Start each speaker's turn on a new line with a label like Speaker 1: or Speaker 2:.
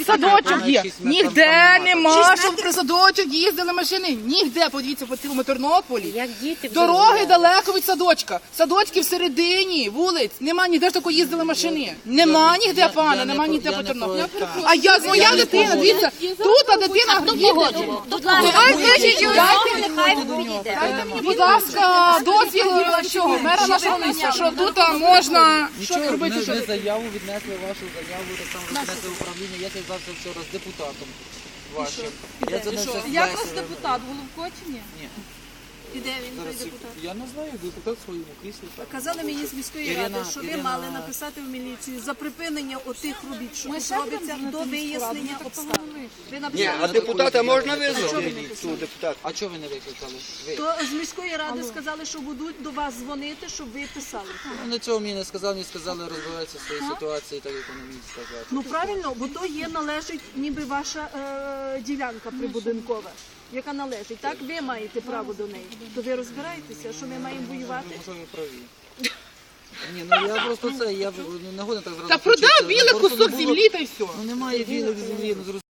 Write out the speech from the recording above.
Speaker 1: садочок є. Ніде нема, щоб при садочок їздили машини. Ніде, подивіться, по цілому Тернополі. Дороги далеко від садочка. Садочки всередині вулиць. Нема ніде ж такої їздили машини. Нема ніде, пане, нема ніде по Тернополі. А як моя дитина, дивіться, тут дитина їздить. Дайте мені, будь ласка, дозвіл чого, мера нашого міста, що тут можна робити.
Speaker 2: Ми заяву віднесли, вашу заяву, так само віднесли в управління. Я зв'язався вчора з депутатом вашим.
Speaker 3: Як вас депутат? Головко чи ні?
Speaker 2: Ні.
Speaker 3: І де він, той
Speaker 2: Зараз,
Speaker 3: депутат?
Speaker 2: я не знаю, депутат в своєму кріслі.
Speaker 3: Казали мені з міської ради, що ви мали написати в міліцію за припинення отих робіт, що тут робиться, до вияснення обставин. Ви
Speaker 4: Ні,
Speaker 3: написали,
Speaker 4: а депутата можна визвати? Тут депутат.
Speaker 2: А чого ви не викликали? Ви.
Speaker 3: то з міської ради сказали, що будуть до вас дзвонити, щоб ви писали.
Speaker 2: Вони цього мені не сказали, мені сказали розбиратися в своїй ситуації, так як вони мені сказали.
Speaker 3: Ну правильно, бо то є належить ніби ваша ділянка прибудинкова, яка належить. Так, ви маєте право до неї. То ви розбираєтеся, що ми маємо воювати?
Speaker 2: Можливо, ви праві. Ні, ну я просто це, я не годен так зразу.
Speaker 1: Та продав
Speaker 2: включитися.
Speaker 1: білий
Speaker 2: Просто не
Speaker 1: кусок
Speaker 2: було-
Speaker 1: землі та й все.
Speaker 2: Ну немає білих землі, ну